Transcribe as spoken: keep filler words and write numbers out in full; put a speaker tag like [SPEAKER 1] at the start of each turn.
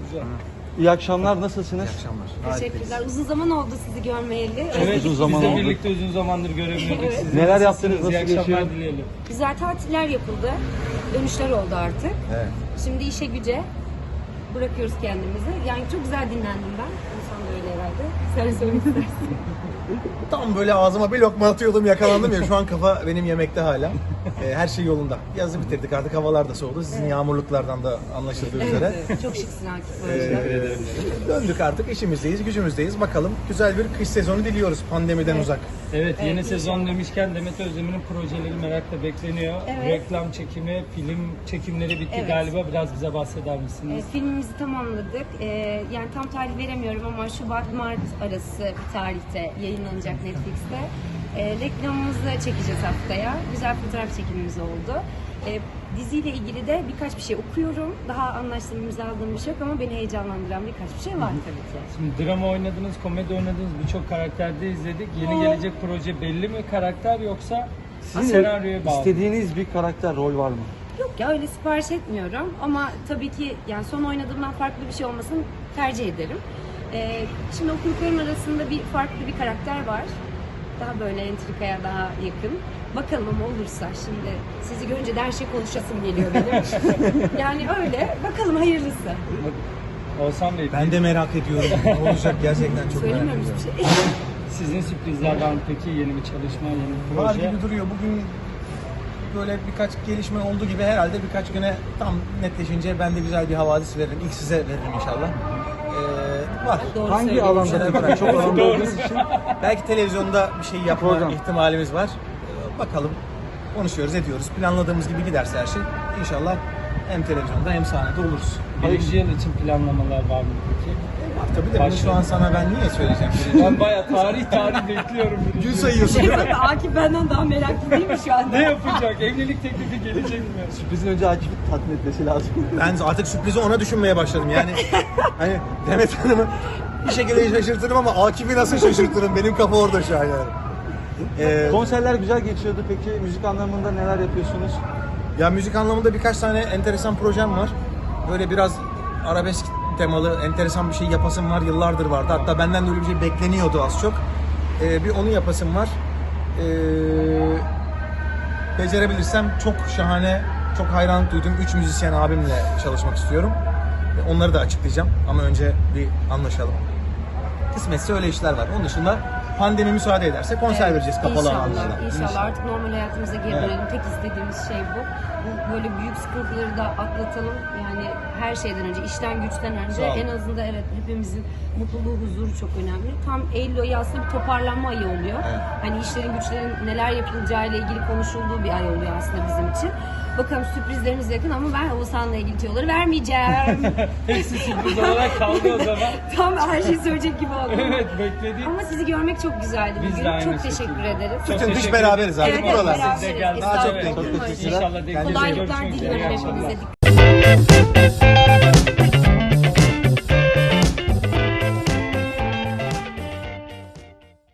[SPEAKER 1] güzel.
[SPEAKER 2] İyi akşamlar, nasılsınız?
[SPEAKER 3] İyi akşamlar.
[SPEAKER 4] Teşekkürler. Uzun zaman oldu sizi görmeyeli.
[SPEAKER 1] Evet,
[SPEAKER 2] uzun
[SPEAKER 1] biz
[SPEAKER 2] zaman
[SPEAKER 1] de
[SPEAKER 2] oldu.
[SPEAKER 1] birlikte uzun zamandır göremiyorduk
[SPEAKER 4] Evet.
[SPEAKER 1] sizi.
[SPEAKER 2] Neler
[SPEAKER 1] Nasılsınız?
[SPEAKER 2] yaptınız, nasıl
[SPEAKER 1] İyi akşamlar
[SPEAKER 2] geçiyor?
[SPEAKER 1] dileyelim.
[SPEAKER 4] Güzel tatiller yapıldı. Dönüşler oldu artık.
[SPEAKER 3] Evet.
[SPEAKER 4] Şimdi işe güce bırakıyoruz kendimizi. Yani çok güzel dinlendim ben. İnsan da öyle herhalde. Sen söylemek istersin.
[SPEAKER 3] Tam böyle ağzıma bir lokma atıyordum, yakalandım ya. Şu an kafa benim yemekte hala. Ee, her şey yolunda. Yazı bitirdik artık, havalar da soğudu. Sizin yağmurluklardan da anlaşıldığı üzere.
[SPEAKER 4] Evet, çok şıksın Akif bu arada.
[SPEAKER 3] Ee, döndük artık, işimizdeyiz, gücümüzdeyiz. Bakalım güzel bir kış sezonu diliyoruz pandemiden
[SPEAKER 4] Evet.
[SPEAKER 3] uzak.
[SPEAKER 1] Evet, yeni
[SPEAKER 4] Evet,
[SPEAKER 1] sezon demişken Demet Özdemir'in projeleri merakla bekleniyor.
[SPEAKER 4] Evet.
[SPEAKER 1] Reklam çekimi, film çekimleri bitti
[SPEAKER 4] Evet.
[SPEAKER 1] galiba. Biraz bize bahseder misiniz?
[SPEAKER 4] E, filmimizi tamamladık. E, yani tam tarih veremiyorum ama Şubat-Mart arası bir tarihte yayınlanacak Netflix'te. E, reklamımızı çekeceğiz haftaya. Güzel fotoğraf çekimimiz oldu. E, diziyle ilgili de birkaç bir şey okuyorum. Daha anlaştığım, imzaladığım bir şey yok ama beni heyecanlandıran birkaç bir şey var tabii ki.
[SPEAKER 1] Şimdi drama oynadınız, komedi oynadınız, birçok karakterde izledik. Yeni gelecek proje belli mi karakter yoksa
[SPEAKER 2] Sizin
[SPEAKER 1] senaryoya bağlı?
[SPEAKER 2] istediğiniz bir karakter, rol var mı?
[SPEAKER 4] Yok ya, öyle sipariş etmiyorum ama tabii ki yani son oynadığımdan farklı bir şey olmasını tercih ederim. Ee, şimdi okuduklarım arasında bir farklı bir karakter var. Daha böyle entrikaya daha yakın. Bakalım ama olursa, şimdi sizi görünce de her şey konuşasım geliyor benim. Yani öyle, bakalım hayırlısı.
[SPEAKER 1] Oğuzhan Bey,
[SPEAKER 3] Ben de merak ediyorum. Ne olacak gerçekten, çok merak
[SPEAKER 4] Söylemiyorum
[SPEAKER 3] ediyorum.
[SPEAKER 4] hiçbir şey.
[SPEAKER 1] sizin sürprizler var mı peki? Yeni bir çalışma, yeni bir
[SPEAKER 3] Var
[SPEAKER 1] proje?
[SPEAKER 3] gibi duruyor. Bugün böyle birkaç gelişme olduğu gibi herhalde birkaç güne tam netleşince ben de güzel bir havadis veririm. İlk size veririm inşallah. Ee, var.
[SPEAKER 4] Doğru
[SPEAKER 2] Hangi
[SPEAKER 4] söylüyorum.
[SPEAKER 2] alanda?
[SPEAKER 3] Şeyler var.
[SPEAKER 2] Peki? Çok alanda olduğunuz için.
[SPEAKER 3] Belki televizyonda bir şey yapma
[SPEAKER 2] Program.
[SPEAKER 3] ihtimalimiz var. Ee, Bakalım. Konuşuyoruz, ediyoruz. Planladığımız gibi giderse her şey inşallah hem televizyonda hem sahnede oluruz.
[SPEAKER 1] Birinci yıl için planlamalar var mı peki?
[SPEAKER 3] Var tabii de bunu şu an sana ben niye söyleyeceğim?
[SPEAKER 1] Ben bayağı tarih tarih bekliyorum. birinci
[SPEAKER 3] Gün
[SPEAKER 1] yıl.
[SPEAKER 3] sayıyorsun değil mi?
[SPEAKER 4] Şey, Akif benden daha meraklı değil mi şu anda?
[SPEAKER 1] Ne yapacak? Evlilik teklifi gelecek mi?
[SPEAKER 2] Sürprizin önce Akif'i tatmin etmesi lazım.
[SPEAKER 3] Ben artık sürprizi ona düşünmeye başladım. Yani hani Demet Hanım'ı bir şekilde şaşırtırım ama Akif'i nasıl şaşırtırım? Benim kafa orada şu an yani. Ee,
[SPEAKER 2] Konserler güzel geçiyordu. Peki müzik anlamında neler yapıyorsunuz?
[SPEAKER 3] Ya müzik anlamında birkaç tane enteresan projem var. Böyle biraz arabesk temalı enteresan bir şey yapasım var. Yıllardır vardı. Hatta benden de öyle bir şey bekleniyordu az çok. Ee, bir onu yapasım var. Ee, becerebilirsem çok şahane, çok hayranlık duyduğum üç müzisyen abimle çalışmak istiyorum. Ee, Onları da açıklayacağım ama önce bir anlaşalım. Kısmetse öyle işler var. Onun dışında pandemi müsaade ederse konser
[SPEAKER 4] Evet,
[SPEAKER 3] vereceğiz kapalı
[SPEAKER 4] İnşallah,
[SPEAKER 3] alanlarda.
[SPEAKER 4] inşallah artık normal hayatımıza geri
[SPEAKER 3] Evet.
[SPEAKER 4] dönelim. Tek istediğimiz şey bu. Bu böyle büyük sıkıntıları da atlatalım. Yani her şeyden önce, işten güçten önce
[SPEAKER 3] Sağ olun.
[SPEAKER 4] en azından evet hepimizin mutluluğu, huzuru çok önemli. Tam Eylül ayı aslında bir toparlanma ayı oluyor.
[SPEAKER 3] Evet.
[SPEAKER 4] Hani işlerin güçlerin neler yapılacağı ile ilgili konuşulduğu bir ay oluyor aslında bizim için. Bakalım, sürprizlerimiz yakın ama ben Oğuzhan'la ilgili tüyoları vermeyeceğim.
[SPEAKER 1] Hepsi sürpriz olarak kaldı o zaman.
[SPEAKER 4] Tam her şeyi söyleyecek gibi oldum.
[SPEAKER 1] Evet, bekledik.
[SPEAKER 4] Ama sizi görmek çok güzeldi
[SPEAKER 1] Biz
[SPEAKER 4] bugün.
[SPEAKER 1] de aynı
[SPEAKER 4] Çok
[SPEAKER 1] şekilde.
[SPEAKER 4] teşekkür ederiz.
[SPEAKER 1] Çok
[SPEAKER 3] Bütün kış
[SPEAKER 1] teşekkür
[SPEAKER 3] beraberiz abi.
[SPEAKER 4] Evet, evet,
[SPEAKER 3] Buralar.
[SPEAKER 4] beraberiz.
[SPEAKER 1] Siz de geldiniz.
[SPEAKER 4] Estağfurullah.
[SPEAKER 1] Evet.
[SPEAKER 2] Çok teşekkürler.
[SPEAKER 1] İnşallah denk
[SPEAKER 2] Kendinize iyi
[SPEAKER 1] geliriz.
[SPEAKER 4] Kolaylıklar
[SPEAKER 1] Görüşmek üzere.
[SPEAKER 4] diliyorum
[SPEAKER 1] İyi akşamlar.
[SPEAKER 4] hepimize.